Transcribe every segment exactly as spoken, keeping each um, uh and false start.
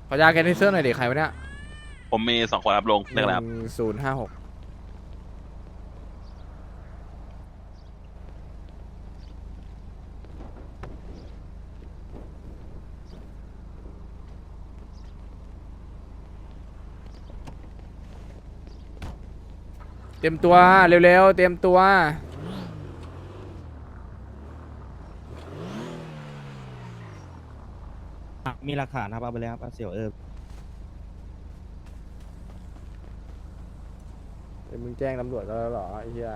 ขอยาแกนิเซอร์หน่อยดิใครวะเนี่ยผมมีสองคนรับลงเรื่องอะไรครับศูนย์ห้าหกเตรียมตัวเร็วๆเตรียมตัวมีหลักฐานครับเอาไปเลยครับเสี่ยวเออเดี๋ยวมึงแจ้งตำรวจแล้วเหรอไอ้เหี้ย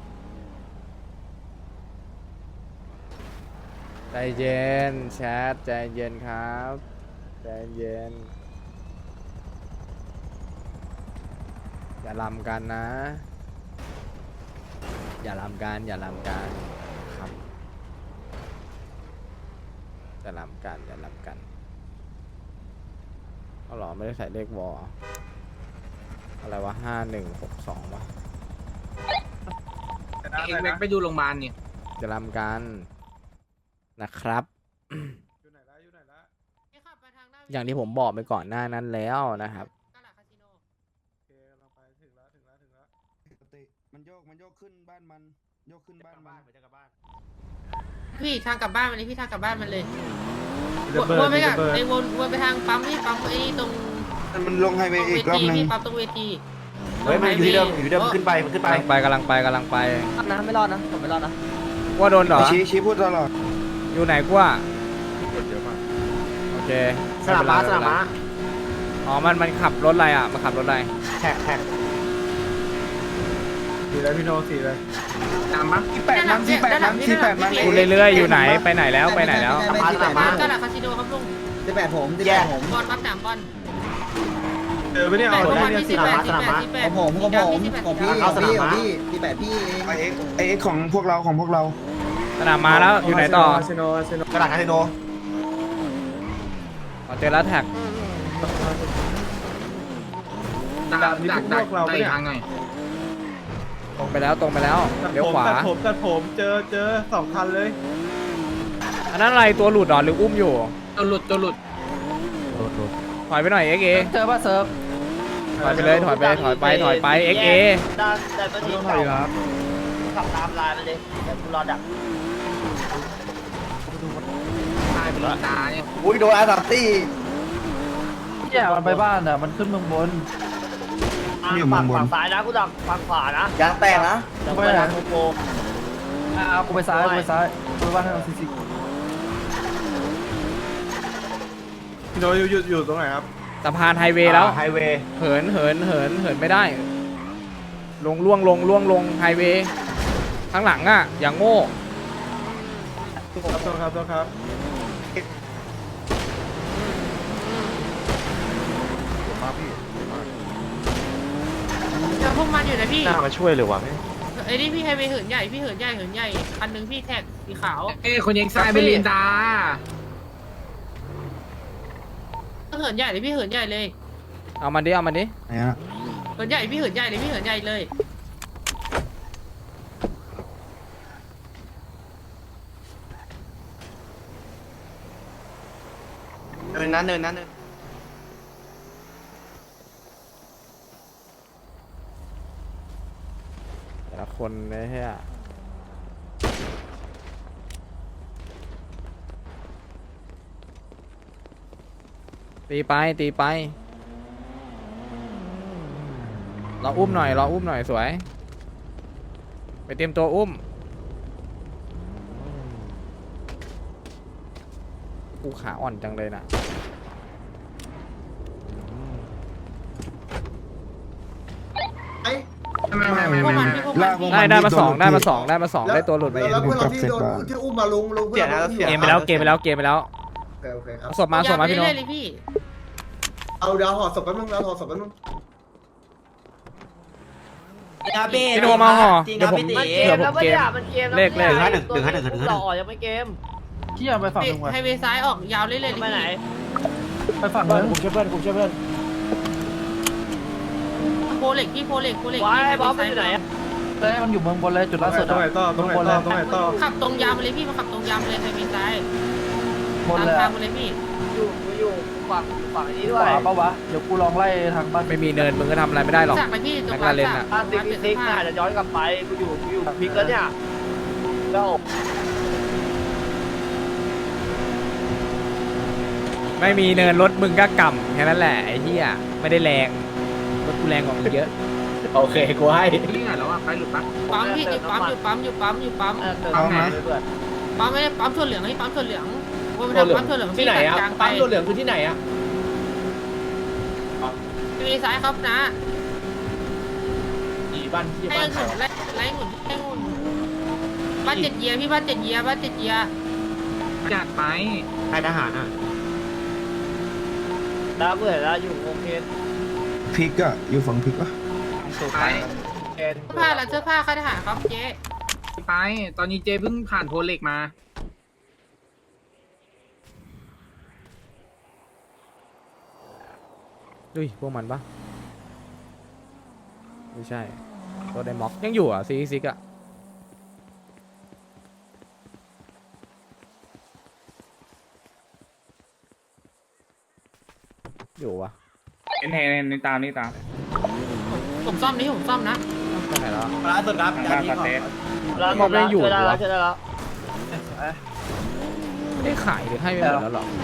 ใจเย็นแชทใจเย็นครับใจเย็นอย่าลำกันนะอย่าลำกันอย่าลำกันครับอย่าลำกันอย่าลำกันเอาหรอไม่ได้ใส่เลขวออะไรวะห้าหนึ่งหกสองวะเองไปดูโรงพยาบาลนี่จะลำกันนะครับ อย่างที่ผมบอกไปก่อนหน้านั้นแล้วนะครับมันโยกมันโยกขึ้นบ้านมันโยกขึ้นบ้านมันจะกลับบ้านพี่ทางกลับบ้านมันเลยพี่ทางกลับบ้านมันเลยวนไปกับไอ้วนวนไปทางปั๊มนี่ปั๊มไอ้ตรงมันลงไฮเวย์อีกรอบนึงพี่ปั๊มตรงเวทีเฮ้ยมันอยู่ที่เดิมอยู่ที่เดิมขึ้นไปมันขึ้นไปกำลังไปกำลังไปกำลังไปนะไม่รอดนะผมไม่รอดนะว่าโดนเหรอชี้ชี้พูดตลอดอยู่ไหนกว่าโอเคสนามม้าสนามม้าอ๋อมันมันขับรถอะไรอ่ะมันขับรถอะไรแท็กแท็กสีอะไรพี่โนสีอะไรตามปะที่แปดมันที่แปดมันที่แปดมันกูเรื่อยๆอยู่ไหนไปไหนแล้วไปไหนแล้วสนามม้าสนามม้าตลาดคาสิโนครับลุงที่แปดผมที่แปดผมบอลปั๊มสามบอลเจอไปเนี่ยแปเอาดได้บอลที่สิบแปดที่แปดที่แปขดองผมของผมของพี่ของพี่ของพี่ที่แปดพี่ไอเอ็กไอเอ็กของพวกเราของพวกเราสนามมาแล้วอยู่ไหนต่อกระดาษคาสิโนอ๋อเจอแล้วแท็กดักดักดักดักไปทางหน่อยตรงไปแล้วตรงไปแล้วเลี้ยวขวาตัดผมตัดผมเจอเจอสองคันเลยอันนั้นอะไรตัวหลุดเหรอหรืออุ้มอยู่ตัวหลุดตัวหลุดถอยไปหน่อยเอ็กเอเจอป่ะเซิร์ฟถอยไปเลยถอยไปถอยไปถอยไปเอ็กเอด้านแต่ตัวนี้เก่าขับตามลายมันเลยแต่กูรอดักตายไปเลยตาเนี่ยอุ้ยโดนอาร์ตัตี้เนี่ยมันไปบ้านอ่ะมันขึ้นเมืองบนอยู่มุมบนฝั่งซ้ายนะกูดักฝั่งขวานะยางแตกนะไปทางโกโก้เอากูไปซ้ายกูไปซ้ายกูไปบ้านทางซีซีพี่โนอยู่อยู่อยู่ตรงไหนครับสะพานไฮเวย์แล้วไฮเวย์เหินเหินเหินเหินไม่ได้ ลงล่วงลงล่วงลงไฮเวย์ข้างหลังอ่ะอย่างโง่ครับโทษครับโทษครับเจอพวกมันอยู่นะพี่น่ามาช่วยเลยวะแม่ไอ้นี่พี่ไฮเวย์เหินใหญ่พี่เหินใหญ่เหินใหญ่คันหนึ่งพี่แท็กสีขาวเอ้คนยังทรายไปลินดาเหินใหญ่เลยพี่เหินใหญ่เลยเอามันดิเอามันดิไหนฮะเหินใหญ่พี่เหินใหญ่เลยพี่เหินใหญ่เลยเนินนั้นเนินนั้นเนินแต่ละคนเนี่ยเฮียตีไปตีไปเราอุ้มหน่อยเราอุ้มหน่อยสวยไปเตรียมตัวอุ้มกูขาอ่อนจังเลยนะไม่ไม่ไม่พวกไม่มันไม่พี่พวกลามันกได้ได้มาสองได้มาสองได้มาสองได้ตัวหลุดมาเองแล้วเพื่อนเราที่โดนที่อุ้มมาลงลงเพื่อนเราที่เกมไปแล้วเกมไปแล้วเกมไปแล้วโอเคโอเคครับศพมาศพมาพี่โน้องเรื่อยๆเลยพี่เอาเดี๋ยวห่อศพแป๊บนึงเราห่อศพแป๊บนึงพี่โนมาห่อจริงเดี๋ยวผมพี่เผื่อผมเกม เลขเลขหนึ่งหนึ่งห้าหนึ่งหนึ่งห้าหนึ่งต่อยังไม่เกมที่ยังไปฝั่งนึงวะไฮเวย์ซ้ายออกยาวเรื่อยๆเลยไปไหนพี่ไปฝั่งนึงผมช่วยเพื่อนผมช่วยเพื่อนโพเล็กพี่โพเล็กโพเล็กว้ายพี่บอสไปอยู่ไหนอะเฮ้ยมันอยู่เมืองบนเลยจุดล่าสุดตรงไหนต่อตรงไหนต่อตรงไหนต่อขับตรงยาวมาเลยพี่มาขับตรงยาวมาเลยไฮเวย์ซ้ายบนตามเลยทางมาเลยพี่อยู่อยู่ขวาฝั่งฝั่งนี้ด้วยปะวะเดี๋ยวกูลองไล่ทางบ้านไม่มีเนินมึงก็ทำอะไรไม่ได้หรอกจากไปพี่ตรงแม็กลาเรนจาอะกบ้านติ๊กติ๊กอาจจะย้อนกลับไปกูอยู่กูอยู่พิกแล้วเนี่ยแล้วไม่มีเนินรถมึงก็กำแค่นั้นแหละไอ้เหี้ยไม่ได้แรงรถกูแรงกว่ามึงเยอะโอเคกูให้นี่ไงแล้วอ่ะไปหลุดปะปั๊มพี่อยู่ปั๊มอยู่ปั๊มอยู่ปั๊มอยู่ปั๊มเติมนะเพื่อนปั๊มไม่ได้ปั๊มถั่วเหลืองให้ปั๊มถั่วเหลืองว่ามันทำปั๊มถั่วเหลืองที่ไหนอ่ะกลางไปปั๊มตัวเหลืองคือที่ไหนอ่ะมีซ้ายครับนะอีบ้านที่ไล่บ้านหนุนไล่ไล่หนุนไล่หนุนบ้านเจ็ดเยียพี่บ้านเจ็ดเยียบ้านเจ็ดเยียจัดไปใครทหารอ่ะดาวเบื่อแล้วอยู่โอเคพริกอะอยู่ฝั่งพริกปะไปเอ็นเสื้อผ้าและเสื้อผ้าค่ายทหารครับเจ๊ไปตอนนี้เจเพิ่งผ่านโพเล็กมาดุยพวกมันปะไม่ใช่ตัวไดม็อกยังอยู่อ่ะซีซิกอ่ะอยู่วะเห็นเห็นในตามนี่ตามผมซ่อมนี่ผมซ่อมนะไปไหนแล้วร้านสุดครับทางด้านปาเตสร้านหมดแล้วช่วยได้แล้วช่วยได้แล้วไม่ได้ขายหรือให้ไปหมดแล้วหรอ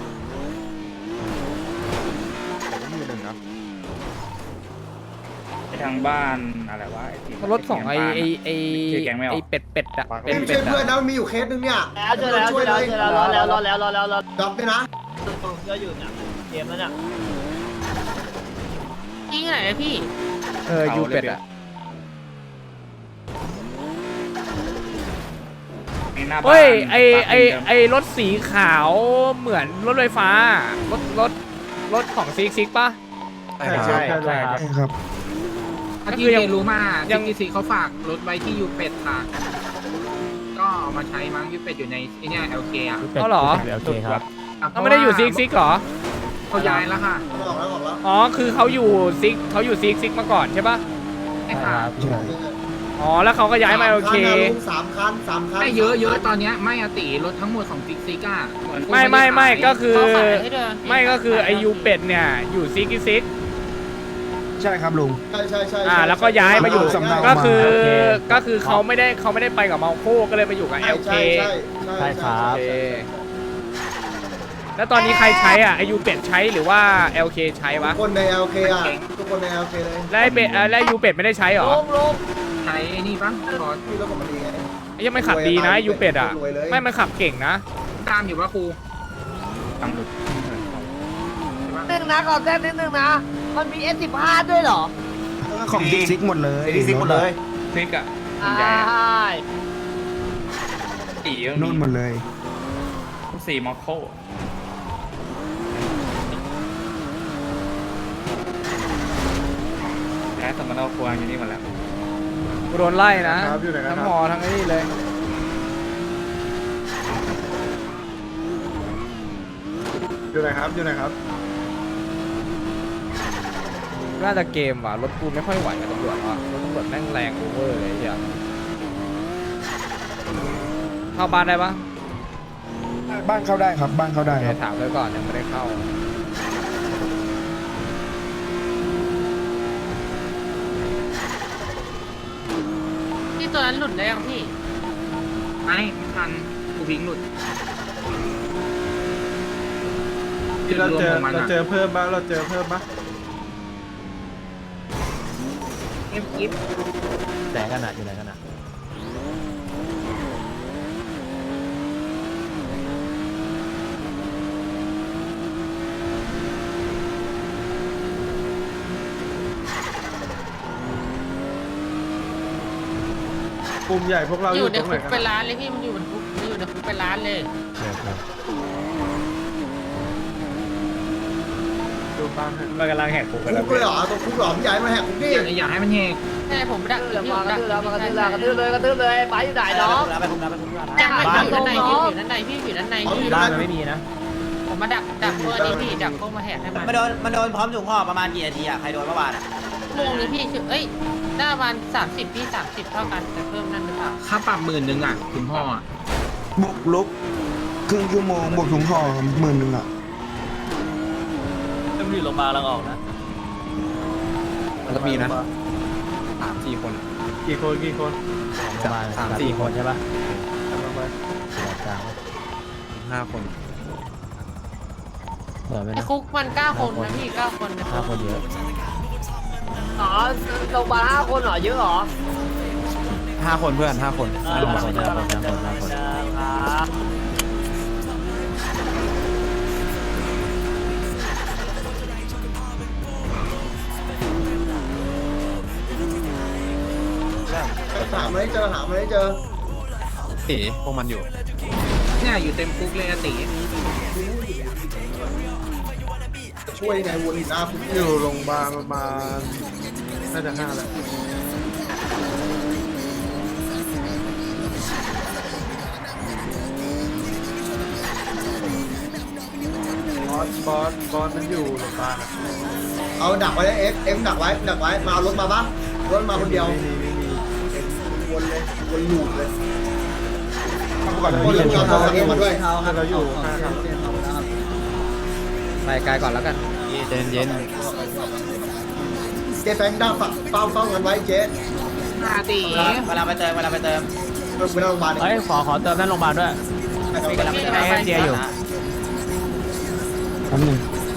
ไปทางบ้านอะไรวะรถของไอไอไอไอเป็ดเป็ดอะเป็ดไม่เป็ใช่ดเพื่อนอะนะมันมีอยู่เคสนึงเนี่ยแล้วช่วยแล้วช่วยแล้วช่วยแล้วรอแล้วรอแล้วรอแล้วรอดอกด้วยนะก็อยู่เนี่ยเกมแล้วเนี่ยยิงไหนเลยพี่เออยูเป็ดอะเฮ้ยไอไอไอรถสีขาวเหมือนรถไฟฟ้ารถรถรถของซิกซิกปะใช่ใช่ใช่ครับครับถ้าที่เจรู้มายังทีซีเขาฝากรถไว้ที่ยูเป็ดค่ะก็เอามาใช้มั้งยูเป็ดอยู่ในไอเนี่ยเอลเคอ่ะเขาเหรอโอเคครับเขาไม่ได้อยู่ซิกซิกเหรอเขาย้ายแล้วค่ะออกแล้วออกแล้วอ๋อคือเขาอยู่ซิกเขาอยู่ซิกซิกมาก่อนใช่ปะไอ้ค่ะใช่อ๋อแล้วเขาก็ย้ายมาโอเคสามคันสามคันไม่เยอะเยอะตอนเนี้ยไม่อติรถทั้งหมดของซิกซิกอ่ะไม่ไม่ไม่ก็คือเขาขายให้เดินไม่ก็คือไอยูเป็ดเนี่ยอยู่ซิกซิกใช่ครับลุงใช่ใช่ใช่อ่าแล้วก็ย้ายมาอยู่สำเนาก็คือมาโอเคก็คือเขาไม่ได้เขาไม่ได้ไปกับเมาโคก็เลยมาอยู่กับใช่เอลเคใช่ใช่ใช่โอเคแล้วตอนนี้ใครใช้อ่ะไอยูเป็ดใช้หรือว่า แอล เค ใช้วะทุกคนใน แอล เค อ่ะทุกคนใน แอล เค เลยแล้วไอเป็ดเอ่อแล้วยูเป็ดไม่ได้ใช้หรอลงลงใช้ไอ้นี่ปะขอพี่รถผมมันดีไงไอ้ยังไม่ขับดีนะยูเป็ดอ่ะรวยเลยไม่มันขับเก่งนะตามอยู่ว่าครูตามหลุดหนึ่งนะก่อนแจ้งนิดนึงนะมันมี เอส สิบห้า ด้วยเหรอของซิกซิกหมดเลยซิกหมดเลยซิกอ่ะใช่สีนู่นหมดเลยสีมอคโคแพ้สมรรถครัวอยู่นี่หมดแล้วกูโดนไล่นะครับอยู่ไหนกันครับทั้งหอทั้งไอ้นี่เลยอยู่ไหนครับอยู่ไหนครับน่าจะเกมว่ะรถกูไม่ค่อยไหวกับตำรวจว่ะรถตำรวจแม่งแรงโอเวอร์เลยไอ้เหี้ยเข้าบ้านได้ปะบ้านเข้าได้ครับ บ้านเข้าได้คเดี๋รัยบวถามไว้ก่อนยังไม่ได้เข้าที่ตัวนั้นหลุดได้ยังพี่ไม่ไม่ทันกูพิงหลุดที่เราเจอจุดรวมของมันเราอะเจอเพิ่มบ้างเราเจอเพิ่มบ้างเอฟกิฟไหนกันอ่ะอยู่ไหนกันอ่ะกลุ่มใหญ่พวกเราออยู่ยู่ในตรงไหนคุกกันเป็นร้านเลยพี่มันอยู่บนคุกมันอยู่ในคุกเป็นร้านเลยดูบ้างให้มันกำลังแหกคุกกันคุแล้วกเลยเหรอตรงคุกเหรอพี่ใหญ่มาแหกคุกดิอย่าอย่าให้มันแหกใช่ผมดักกระทืบพี่ผมดักแล้วมากระทืบแล้วมากระทืบแล้วกระทืบเลยกระทืบเลยไปอยู่ไหนน้องยังไม่อยู่ด้านในพี่อยู่ด้านในพี่อยู่ด้านในพี่อยู่ด้านในไม่มีนะผมมาดักดักพวกนี้พี่ดักพวกมาแหกให้มันมันโดนมันโดนพร้อมถุงห่อประมาณกี่นาทีอ่ะ ใครโดนเมื่อวานอ่ะโมงนี้พี่ชื่อเอ้ยหน้าวันสามสิบพี่สามสิบเท่ากันแต่เพิ่มนั่นหรือเปล่าค่าปรับหมื่นหนึ่งอ่ะคุณพ่ออ่ะบุกลุกครึ่งชั่วโมงบวกถุงห่อหมื่นหนึ่งอ่ะอยู่โรงพยาบาลกำลังออกนะมันก็มีนะสามสี่คนกี่คนกี่คนสามสี่คนใช่ปะกำลังไปห้าคนไอ้คุกมันเก้าคนนะพี่เก้าคนนะห้าคนเยอะอ๋อโรงพยาบาลห้าคนเหรอเยอะเหรอห้าคนเพื่อนห้าคนห้าคนห้าคนห้าคนห้าคนครับหามาให้เจอหามาให้เจอตีพวกมันอยู่เนี่ยอยู่เต็มคุกเลยอะตีช่วยยังไงวนอีกหน้าคุณอยู่โรงพยาบาลประมาณน่าจะห้าแหละบอสบอสบอสมันอยู่โรงพยาบาลอะเอาดักไว้เอ็กเอ็มดักไว้ดักไว้มาเอารถมาปะรถมาคนเดียวไม่มีไม่มีวนเลยวนลูปเลยก่อนวนที่ลูจะปเอาตัวเองมาด้วยให้เราอยู่ห้าครับไปไกลก่อนแล้วกันเย็นเย็นเจ๊แฟงดักฝักเฝ้าเฝ้ากันไว้เจ๊ห้าตีเวลาไปเติมเวลาไปเติมเวลาโรงพยาบาลเฮ้ยขอขอเติมนั่นโรงพยาบาลด้วยเวลาไปเติมให้เจียอยู่คำหนึ่ง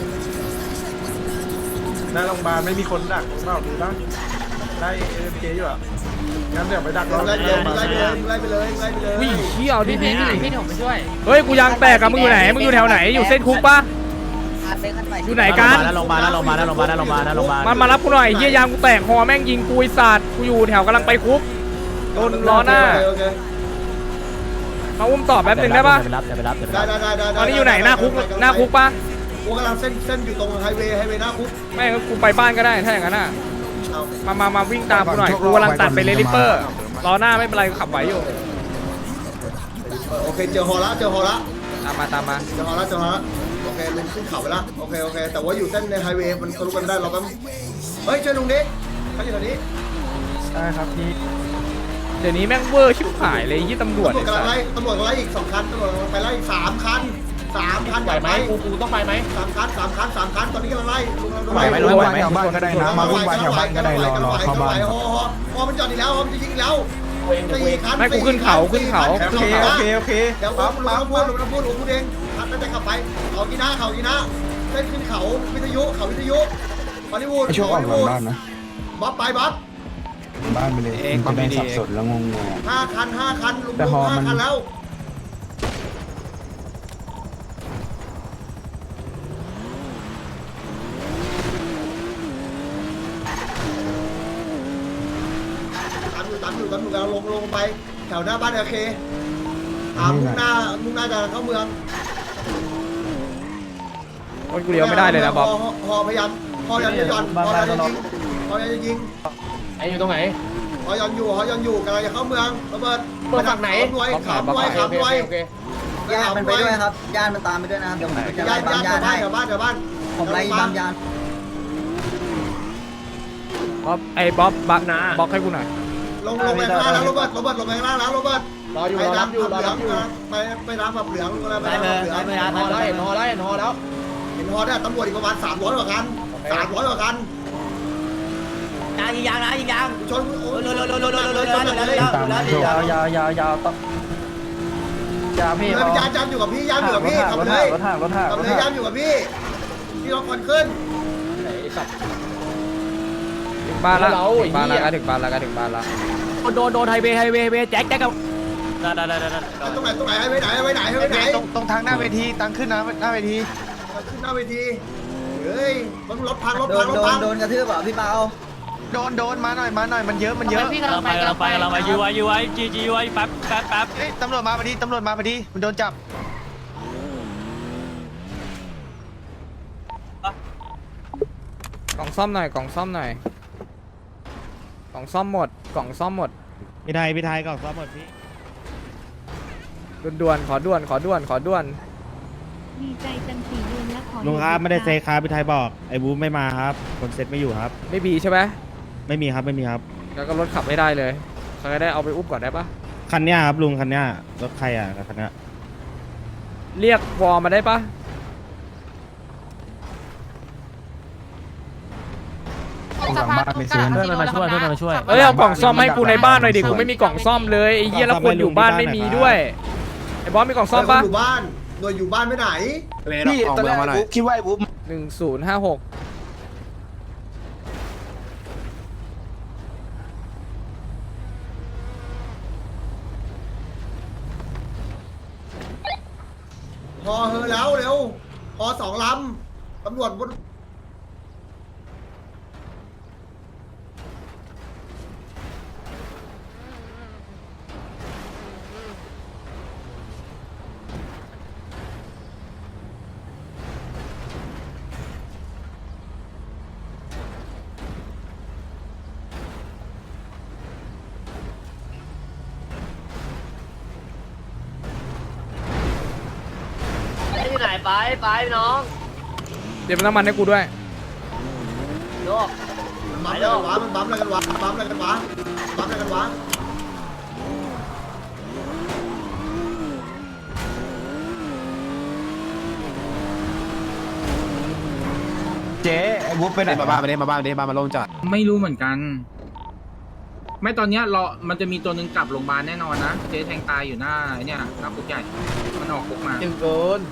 หน้าโรงพยาบาลไม่มีคนดักเปล่าดูบ้างได้เอ็มเจอยู่อ่ะงั้นเดี๋ยวไปดักเราไล่ไปเลยไล่ไปเลยไล่ไปเลยไล่ไปเลยวิ่งเขี้ยวดิพี่ดีพี่พี่ผมไปช่วยเฮ้ยกูยางแตกอะมึงอยู่ไหนมึงอยู่แถวไหนอยู่เส้นคุกปะอยู่ไหนกันโรงพยาบาลโรงพยาบาลโรงพยาบาลโรงพยาบาลโรงพยาบาลมันมารับกูหน่อยเยี่ยยางกูแตกหอแม่งยิงกูไอ้สัตว์กูอยู่แถวกำลังไปคุกโดนล้อหน้าโอเคมาอุ้มต่อแป๊บหนึงได้ปะไปรับไปรับไปได้รับได้ได้ได้ตอนนี้อยู่ไหนหน้าคุกหน้าคุกปะกูกำลังเส้นเส้นอยู่ตรงไฮเวย์ไฮเวย์หน้าคุกแม่งกูไปบ้านก็ได้ถ้าอย่างนั้นอ่ะเอามามามาวิ่งตามกูหน่อยกูกำลังตัดไปเลลิเปอร์ล้อหน้าไม่เป็นไรกูขับไหวอยู่โอเคเจอฮอละเจอฮอละตามมาตามมาเจอฮอละเจอฮอละโอเคลุงขึ้นเขาไปละโอเคโอเคแต่ว่าอยู่เส้นในไฮเวย์มันทะลุกันได้เราก็เฮ้ยช่วยลุงดิเขาอยู่แถวนี้ได้ครับพี่เดี๋ยวนี้แม่งเวอร์ชิบหายเลยยี่ตำรวจตำรวจกำลังไล่ตำรวจกำลังไล่อีกสองคันตำรวจกำลังไปไล่อีกสามคันสามคันไหวไหมกูกูต้องไปไหมสามคันสามคันสามคันตอนนี้กำลังไล่ลุงกำลังไหวไหมไล่ไหวไหมบ้านก็ได้นะมาวุ่นวายแถวบ้านก็ได้รอรอเข้าบ้านฮอฮอฮอมันจอดอีกแล้วฮอมันจะยิงอีกแล้วสี่คันไม่กูขึ้นเขาขึ้นเขาโอเคโอเคโอเคเดี๋ยวลุงลุงต้องพูดลุงต้องพูดลุงพูดเองคันน่าจะขับไปเขากีน่าเขากีน่าเส้นขึ้นเขาวิทยุเขาวิทยุฮอลลีวูดฮอลลีวูดบ๊อบไปบ๊อบบ้านไปเลยจะได้สับสนแล้วงงห้าคันห้าคันลุงลุงห้าคันแล้วตามอยู่ตามอยู่ตามอยู่กำลังลงลงไปแถวหน้าบ้านโอเคอ่ามุ่งหน้ามุ่งหน้าจะเข้าเมืองโอ้ยกูเลี้ยวไม่ได้เลยนะบ๊อบฮฮอพยายามฮอยันจะย่อนฮอยันจะยิงฮอยันจะยิงไอ้อยู่ตรงไหนฮอยันอยู่ฮอยันอยู่กำลังจะเข้าเมืองระเบิดเปิดฝั่งไหนรวยขามรวยขามรวยญาติมันไปด้วยครับญาติมันตามไปด้วยนะครับเดี๋ยวผมจะญาไล่ติบาญาง ติญาแถวติบ้านให้แถวบ้านแถวบ้านผมไล่บางญาติบ๊อบไอ้บ๊อบบักนะบล็อกให้กูหน่อยลงลงไปข้างล่างแล้วโรเบิร์ตโรเบิร์ตลงไปข้างล่างแล้วโรเบิร์ตรออยู่รอรับอยู่รอรับอยู่ไปไปรับแบบเหลืองอะไรไปไล่รับเบอแบบร์เหลืองไล่เบอร์ไล่เห็นฮอแล้วเห็นฮอแล้วเห็นฮอเนี่ยตำรวจอีกประมาณสามร้อยกว่าคันสามร้อยกว่าคันยางยิงยางนะยิงยางชนโอ้ยโดนโดนโดนโดนโดนโดนชนโดนเลยโดนยาวยาวยาวยาวต้องยาวพี่ยามยามยามอยู่กับพี่ยามอยู่กับพี่ขับเลยรถห่างรถห่างขับเลยยามอยู่กับพี่พี่ล็อกควันขึ้นถึงบ้านละถึงบ้านละก็ถึงบ้านละก็ถึงบ้านละโดนโดนไฮเวย์ไฮเวย์ไฮเวย์แจ็คแจ็คกับได้ได้ได้ได้ตรงไหนตรงไหนไปไหนไปไหนไปไหนตรงตรงทางหน้าเวทีตังขึ้นนะหน้าเวทีขึ้นหน้าเวทีเฮ้ยมันรถพังรถโดพันงรถโดนพังโดนกระทืบอ่ะพี่เปาโดนโดนมาหน่อยมาหน่อยมันเยอะมันเยอะพี่กำลังไปกำลังไปกำลังไปยูไว้ยูไว้จีจีไว้แป๊บแป๊บแป๊บเอ้ยตำรวจมาพอดีตำรวจมาพอดีมันโดนจับกล่องซ่อมหน่อยกล่องซ่อมหน่อยกล่องซ่อมหมดกล่องซ่อมหมดพี่ไทยพี่ไทยกล่องซ่อมหมดพี่ด่วนๆขอด่วนขอด่วนขอด่วนดีใจจังสี่เดือนแล้วขอลุงครับไม่ได้เซครับพี่ไทยบอกไอ้บูมไม่มาครับคนเซ็ตไม่อยู่ครับไม่บีใช่ไหมไม่มีครับไม่มีครับแล้วก็รถขับไม่ได้เลยเขาจะได้เอาไปอุ้มก่อนได้ปะคันเนี้ยครับลุงคันเนี้ยรถใครอ่ะคันเนี้ยเรียกวอลมาได้ปะสะพานกระดาษเพื่อนมันมาช่วยเพื่อนมันมาช่วยเอ้ยเอากล่องซ่อมให้กูในบ้านหน่อยดิกูไม่มีกล่องซ่อมเลยไอ้เหี้ยแล้วคนอยู่บ้านไม่มีด้วยไอ้บอสมีกล่องซ่อมปะอยู่บ้านหน่วยอยู่บ้านไม่ไหนพี่ตอนแรกบุ๊คคิดว่าไอ้บุ๊คหนึ่งศูนย์ห้าหกพอเฮอแล้วเร็วพอสองลำตำรวจบนที่ไหนไปไปน้องเดี๋ยวน้ำมันให้กูด้วยโยกมันบัมอะไรกันวะมันบัมอะไรกันวะบัมอะไรกันวะบัมอะไรกันวะเจ๊ไอ้บุ๊คไปไหนมาบ้านมาเด้มาบ้านมาเด้บ้านมาลงจัดไม่รู้เหมือนกัน ไม่ตอนเนี้ยรอมันจะมีตัวหนึ่งกลับโรงพยาบาลแน่นอนนะเจ๊แทงตายอยู่หน้าไอ้เนี่ยหน้าคุกใหญ่มันออกคุกมาจึงเกิน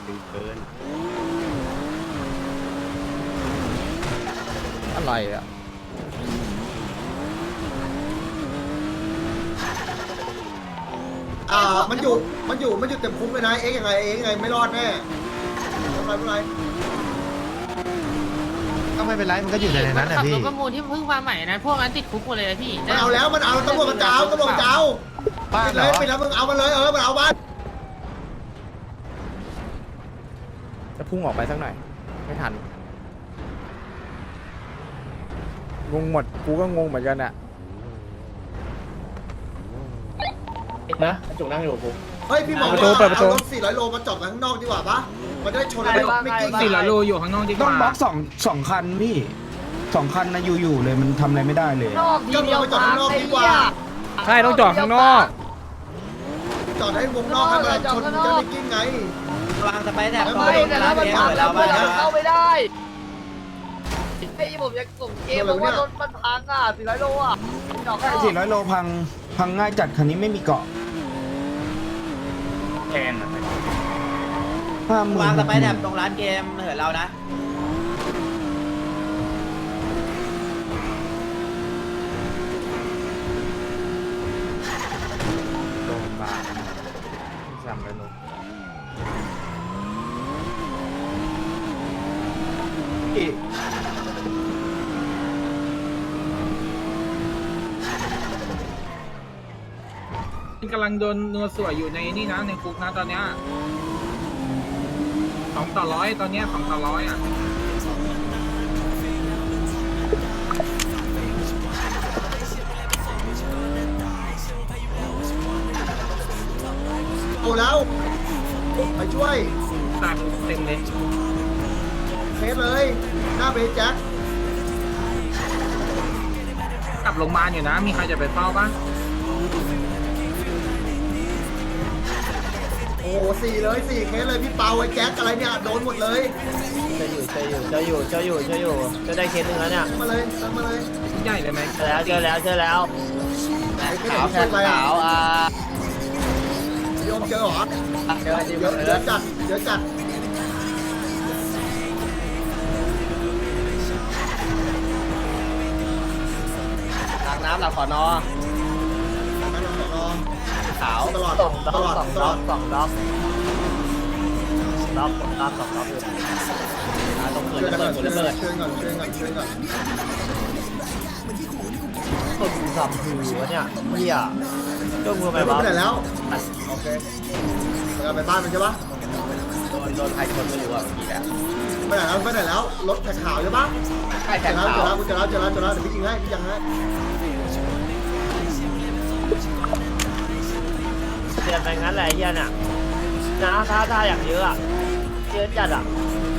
อะไรอ่ะอ่ามันอยู่มันอยู่มันอยู่เต็มคุ้มเลยนะเอ็กยังไงเอ็กยังไงไม่รอดแน่ไม่เป็นไรไม่เป็นไรก็ไม่เป็นไรมันก็อยู่ในนั้นแหละพี่ขับรถประมูลที่เพิ่งมาใหม่นะพวกนั้นติดคุกหมดเลยนะพี่มันเอาแล้วมันเอาตำรวจมันจะเอาตำรวจมันจะเอาบ้านเลยไปแล้วมึงเอามันเลยเออมันเอาบ้านจะพุ่งออกไปสักหน่อยไม่ทันงงหมดกูก็งงเหมือนกันอ่ะนะจุกนั่งอยู่ปุ๊บเฮ้ยพี่หมอเปิดประตูเปิดประตูเอารถสี่ร้อยโลมาจอดข้างนอกดีกว่าปะมันจะได้ชนไม่ไม่กิ้งสี่ร้อยโลอยู่ข้างนอกดีกต้องว่าบล็อกสองสองคันพี่สองคันนะอยู่ๆเลยมันทำอะไรไม่ได้เลยนอกทีก็เดียวมาจอดข้างนอกดีกว่าใช่ต้องจอดข้างนอกจอดให้วงนอกให้มันชนมันจะไม่กิ้งไงวางสไปแถบไปแต่ถ้ามันพังแล้วเพื่อนเราเข้าไม่ได้ไอ้ผมยังกลุ่มเกมบอกว่ารถมันพังอ่ะสี่ร้อยโลอ่ะดอกใช่สี่ร้อยโลพังพังง่ายจัดคันนี้ไม่มีเกาะแทนห้าหมื่นวางสไปแถบตรงร้านเกมเหินเรานะพี่กำลังโดนนัวสวยอยู่ในนี่นะในคุกนะตอนเนี้ยสองต่อร้อยตอนเนี้ยสองต่อร้อยอ่ะเอาแล้วไปช่วยตายคุกเต็มเลยเคสเลยหน้าเบสแจ็คกลับโรงพยาบาลอยู่นะมีใครจะไปเฝ้าปะโอ้โหสี่เลยสี่เคสเลยพี่เปาไอ้แจ็คอะไรเนี่ยโดนหมดเลยเจออยู่เจออยู่เจออยู่เจออยู่เจออยู่จะได้เคสหนึ่งแล้วเนี่ยมาเลยตั้งมาเลยใหญ่เลยไหมเจอแล้วเจอแล้วเจอแล้วไอ้เคสขาวไหนช่วยอะไรอ่ะขาวอ่ะโยมเจอเหรอเจอเดี๋ยวเดี๋ยวจัดเดี๋ยวจัดหลังน้ำหลังขอนอนั่นเรารอขาวตลอดสองตด็อกลอดสองตด็ลออก ดสองด็อกด็อกสองด็อกสองด็อกอยู่อ่าตรงเกิช่วยดกันระก่เบิอนดช่วยระเบิดช่วยก่อนช่วยก่อนช่วยก่อนตุ่มสับหือวะเนี่ยเหี้ยจ้องมือไปไปบ้าไหนแล้วโอเคเราไปบ้านมันใช่ปะโดนโดนใครชนไม่รู้อ่ะเมื่อกี้อ่ะไปไหนแล้วไปไหนแล้วรถแขกขาวใช่ปะใช่เจแต่อแล้วขาวเจอแล้วเจอแล้วเจอแล้วเจอแล้วเดี๋ยวพี่ยิงให้พี่ยิงให้เตือนไปงั้นแหละไอ้เหี้ยเนี่ยนะท่าท่าอย่างเยอะอ่ะเยอะจัดอ่ะ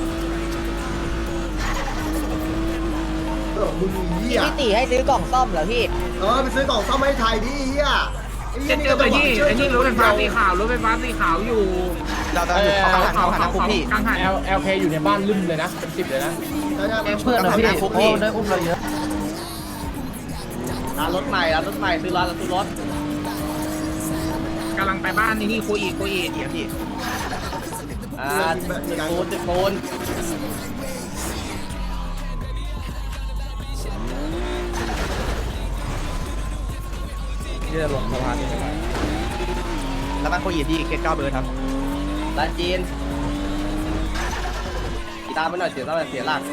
เออมึงเหี้ยพี่ตีให้ซื้อกล่องซ่อมเหรอพี่เออไปซื้อกล่องซ่อมให้ไทยดิเหี้ยไอ้เหี้จะยนี่เจอก็ไปต้องที่ไอ้นี่รถไฟฟ้าสีขาวรถไฟฟ้าสีขาวอยู่เราจะอยู่เขาหันเขาหันนะคุกพี่กลางหัน L L K อยู่ในบ้านลืมเลยนะเป็นสิบเลยนะใช่ใช่เพื่อนเหรอพี่คุกโอ้พี่ได้อุ้มเราเยอะร้านรถใหม่ร้านรถใหม่ซื้อร้านซื้อรถกำลังไปบ้านนี่นี่โคอีโคอีเดี๋ยวพี่อ่าติดโคนติดโคนที่จะลงสะพานนี้ไปแล้วบ้านโคอีที่เคสเก้าเบอร์ครับร้านจีนกีตาร์ไม่หน่อยเสียเท่าไหร่เสียหลัก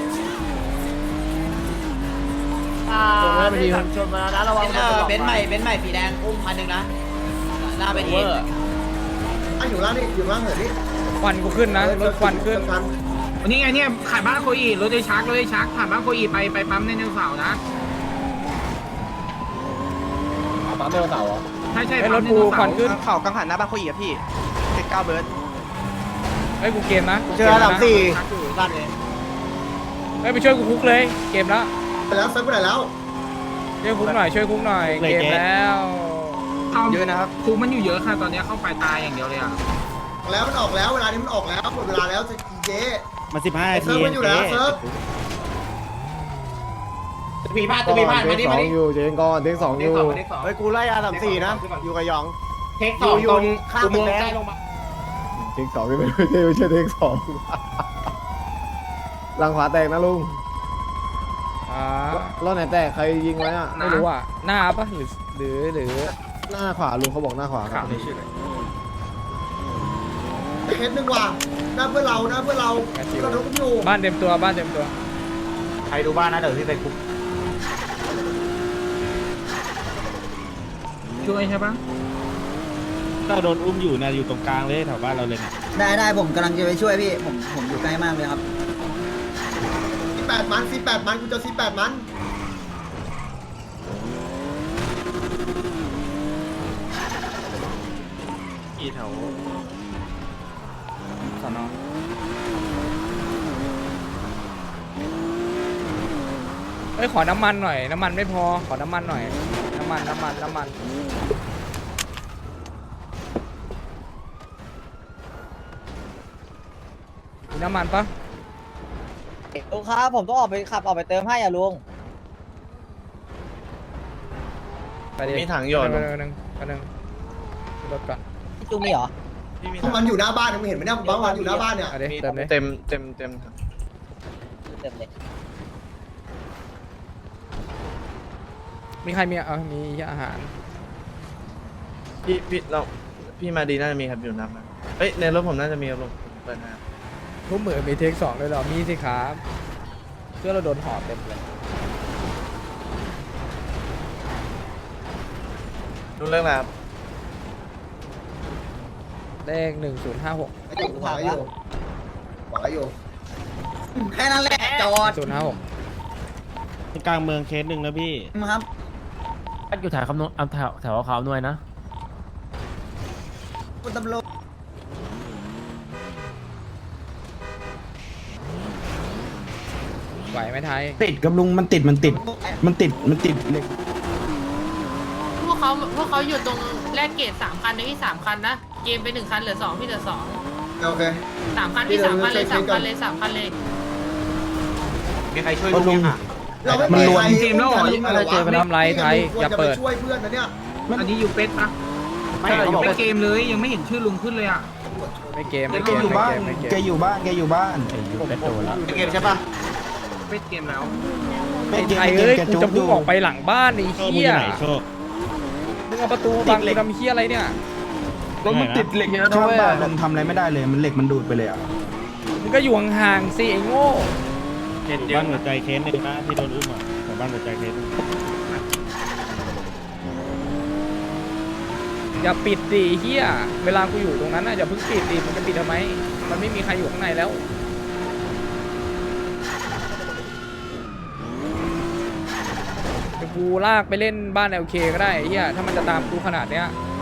อ่านี่ขับชนมาแล้วนะระวังเออเบนซ์ใหม่เบนซ์ใหม่สีแดงอุ้มพันหนึ่งนะหน้าไปทีอ่ะอยู่ล่างนี่อยู่ล่างเหรอนี่ควันกูขึ้นนะรถควันขึ้นวันนี้ไงเนี่ยขายบ้านโคอีรถได้ชักรถได้ชักผ่านบ้านโคอีไปไปปั๊มในเนวเสาร์นะปั๊มเบอร์เสาใช่ใช่ไอ้รถกูควันขึ้นเข่ากังหันหน้าบ้านโคอีอะพี่เคสเก้าเบอร์ไอ้กูเกมนะเจอหลังสี่ร้านนี้ไอ้ไปช่วยกูคุกเลยเกมแล้วไปแล้วเซิร์ฟไปไหนแล้วช่วยคุกหน่อยช่วยคุกหน่อยเกมแล้วเยอะนะครับคูมันอยู่เยอะค่ะตอนนี้เข้าไปตายอย่างเดียวเลยอ่ะแล้วมันออกแล้วเวลานี้มันออกแล้วหมดเวลาแล้วจะเจ๊มาสิบห้าเซิร์ฟมันอยู่แล้วเซิร์ฟมีพลาดจะมีพลาดมาดิมาดิอยู่เจงก่อนเทคสองอยู่เฮ้ยกูไล่อาสามสี่นะอยู่กับยองเทคสองตรงข้ามตึกแดงเทคสองไม่ไม่ใช่ไม่ใช่เทคสองหลังขวาแตกนะลุงอ่ารอบไหนแตกใครยิงไว้อ่ะไม่รู้อ่ะหน้าปะหรือหรือหรือหน้าขวาลุงเขาบอกหน้าขวาครับเคสหนึ่งว่ะหน้าเพื่อเราหน้าเพื่อเราเราทุกอยู่บ้านเต็มตัวบ้านเต็มตัวใครดูบ้านนะเดี๋ยวพี่ไปคุกช่วยใช่ปะก็โดนอุ้มอยู่นะอยู่ตรงกลางเลยแถวบ้านเราเลยนะได้ได้ผมกำลังจะไปช่วยพี่ผมผมอยู่ใกล้มากเลยครับสี่แปดมันสี่แปดมันกูจะสี่แปดมันอีแถวสอนอเอ้ยขอน้ำมันหน่อยน้ำมันไม่พอขอน้ำมันหน่อยน้ำมันน้ำมันน้ำมันมีน้ำมันปะลุงครับผมต้องออกไปขับออกไปเติมให้อ่ะลุงไปดิมีถังหยไปดหนึ่งไปหนึ่งไปหนึ่งรถก่อนพี่จูมีเหรอมันอยู่หน้าบ้านมึงเห็นไหมเนี่ยบ้านมันอยู่หน้าบ้านเนี่ยเอาดิเติมเลยเต็มเต็มเต็มเต็มเลยมีใครมีเออมีอาหารพี่พี่เราพี่มาดีน่าจะมีครับอยู่น้ำนะเอ้ยในรถผมน่าจะมีครับลุงเปิดนะทุกมือมีเทคสองเลยเหรอมีสิครับเพื่อเราโดนหอบเต็มเลยดูเรื่องอะไรครับเลขหนึ่งศูนย์ห้าหกไอ้อยู่ขวาอยู่ขวาอยู่แค่นั้นแหละจอดศูนย์ห้าหกกลางเมืองเคสหนึ่งนะพี่ครับอยู่แถวคำนวณแถวแถวขาวหน่วยนะคุณตำรวจไหวไหมไทยติดกับลุงมันติดมันติดมันติดมันติดเหล็กพวกเขาพวกเขาอยู่ตรงแลกเกตสามคันนะพี่สามคันนะเกมไปหนึ่งคันเหลือสองพี่เหลือสองโอเคสามคันพี่สามคันเลยสามคันเลยสามคันเลยมีใครช่วยลุงอ่ะเราไม่มีใครทำไรไทยอย่าเปิดช่วยเพื่อนนะเนี่ยอันนี้อยู่เป็ดปะไม่อยู่เป็ดเกมเลยยังไม่เห็นชื่อลุงขึ้นเลยอ่ะไม่เกมแกไม่เกมอยู่บ้านไม่เกมแกอยู่บ้านแกอยู่บ้านเกมใช่ปะเป็ดเกมแล้วไอ้ไทยเอ้ยกูจะพุ่งออกไปหลังบ้านไอ้เหี้ยมึงเอาประตูบังกูทำเหี้ยอะไรเนี่ยรถมันติดเหล็กเยอะนะเว้ยลุงทำอะไรไม่ได้เลยมันเหล็กมันดูดไปเลยอ่ะมึงก็อยู่ห่างๆสิไอ้โง่บ้านหัวใจเคสหนึ่งนะที่โดนอุ้มอ่ะแต่บ้านหัวใจเคสอย่าปิดดิเหี้ยเวลากูอยู่ตรงนั้นน่ะอย่าเพิ่งปิดดิมันจะปิดทำไมมันไม่มีใครอยู่ข้างในแล้วเดี๋ยวกูลากไปเล่นบ้านเอลเคก็ได้ไอ้เหี้ยถ้ามันจะตามกูขนาดเนี้ย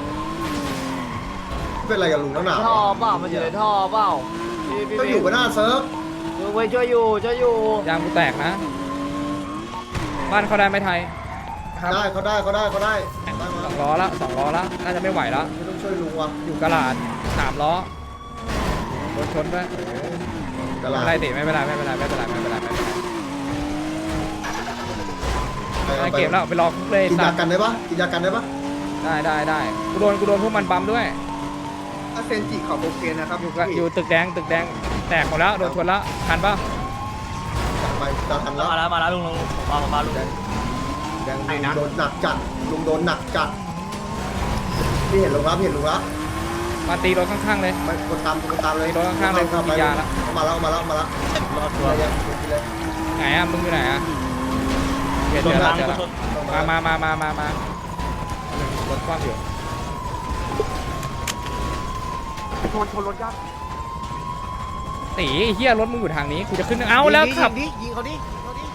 เป็นอะไรกับลุงนักหนาท่อเปล่ามันอยู่ในท่อเปล่าก็อยู่กับหน้าเซิร์ฟลุงไปช่วยอยู่ช่วยอยู่ยางกูแตกนะ บ้านเขาได้ไหมไทยได้เขาได้เขาได้เขาได้ได้มาสองล้อละสองล้อละน่าจะไม่ไหวแล้วไม่ต้องช่วยลุงว่ะอยู่กระลาดสามล้อรถชนไปกระลาไม่เป็นไรติไม่เป็นไรไม่เป็นไรไม่เป็นไรไม่เป็นไรไม่เป็นไรเออไม่เก็บแล้วไปรอคุกเลยกินสัยาตว์กันได้ปะกินยากันได้ปะได้ได้ได้กูโดนกูโดนพวกมันบัมด้วยถ้าเซนจิเขาโอเคนะครับอยู่กับอยู่ตึกแดงตึกแดงแตกหมดแล้วโดนชนแล้วทันปะไปจะทันแล้วมาแล้วมาแล้วลุงลุงมามาลุงแดงโดนหนักจัดลุงโดนหนักจัดพี่เห็นลุงแล้วพี่เห็นลุงแล้วมาตีรถข้างๆเลยมันคนตามคนตามเลยรถข้างๆเลยเข้ามีไปยาแล้วเข้ามาแล้วมาแล้วมาแล้วรอดตัวไหนอ่ะมึงอยู่ไหนอ่ะเดี๋ยวชเดี๋นยวบังเดี๋ยวชนมามามามามามารถคว่ำอยู่ชนชนรถยักษ์ตีไอ้เฮียรถมึงอยู่ทางนี้กูจะขึ้นเอาแล้วขับยิงยิงเขาดิเขาดิ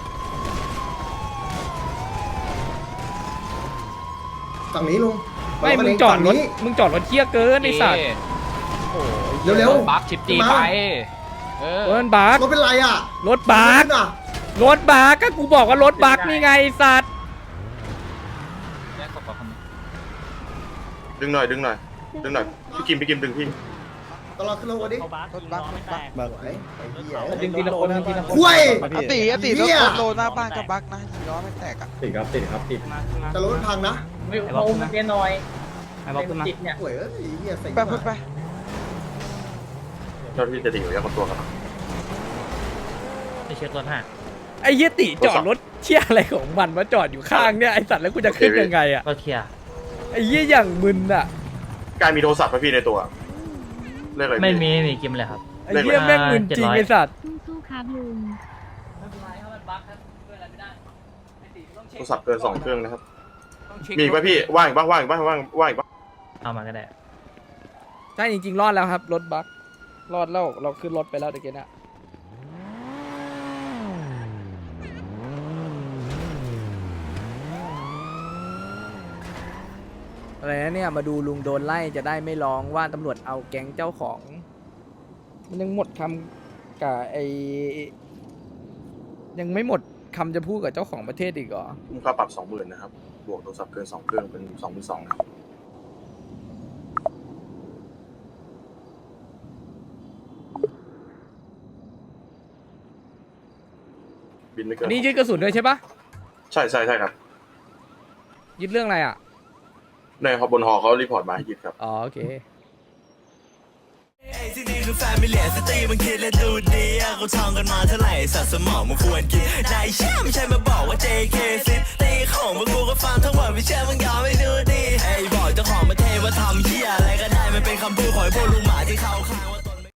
ฝั่งนี้ลุงไม่มึงจอดรถมึงจอดรถเที่ยเกินไอ้สัตว์เร็วบัฟชิปจีไปเออรถบักรถเป็นไรอ่ะรถบักอ่ะรถบักก็กูบอกว่ารถบักนี่ไงไอ้สัตว์ดึงหน่อยดึงหน่อยดึงหน่อยพี่กิมพี่กิมดึงพี่ตลอดขึ้นรถวันนี้รถบักรถบักแบบไหนไอ้เหี้ยดึงทีละคนทีละคนคุยอติอติรถเหี้ยรถโลหน้าบ้านก็บักนะล้อไม่แตกอ่ะติดครับติดครับติดแต่รถมันพังนะไอ้บอกขึ้นมาไอ้บอกขึ้นมาโอ้ยเอ้ยไอ้เหี้ยใส่ไปไปไปเจ้าที่จะดิ่งหรือยังคนตัวครับไปเช็ครถฮะไอ้เหี้ยติจอดรถเชี่ยอะไรของมันมาจอดอยู่ข้างเนี่ยไอ้สัตว์แล้วกูจะขึ้นยังไงอ่ะรถเคลียร์ไอ้เหี้ยอย่างมึนอ่ะกายมีโทรศัพท์ไหมพี่ในตัวเรียกอะไรไม่มีไม่มีกิมเลยครับไอ้เหี้ยแม่งมึนจริงไอ้สัตว์สู้ๆครับลุงโทรศัพท์เกินสองเครื่องนะครับมีอีกป่ะพี่ว่างอีกบ้างว่างอีกบ้างว่างว่างอีกบ้างเอามาก็ได้ใช่จริงๆรอดแล้วครับรถบักรอดแล้วเราขึ้นรถไปแล้วตะกี้นะอะไรนะเนี่ยมาดูลุงโดนไล่จะได้ไม่ร้องว่าตำรวจเอาแก๊งเจ้าของ มันยังหมดคำกับไอยังไม่หมดคำจะพูดกับเจ้าของประเทศอีกเหรอมูลค่าปรับสองหมื่นนะครับบวกโทรศัพท์เกินสองเครื่องเป็นสองหมื่นสองนะครับบินไม่เกินนี่ยึดกระสุนด้วยใช่ปะใช่ใช่ใช่ครับยึดเรื่องอะไรอ่ะในฮอบนฮอเขารีพอร์ตมาให้ยึดครับอ๋อโอเคที่นี่คือแฟมิเลียสตรีมันคิดและดูดีอะเขาท่องกันมาเท่าไหร่สัตว์สมองมันควรกินนายเชื่อไม่ใช่มาบอกว่า เจ เค ซิตีของพวกกูก็ฟังทั้งหมดไม่เชื่อมึงยอมไม่ดูดีไอ้บอกเจ้าของมาเทว่าทำเหี้ยอะไรก็ได้มันเป็นคำพูดของไอ้พวกลุงหมาที่เขาข้างว่า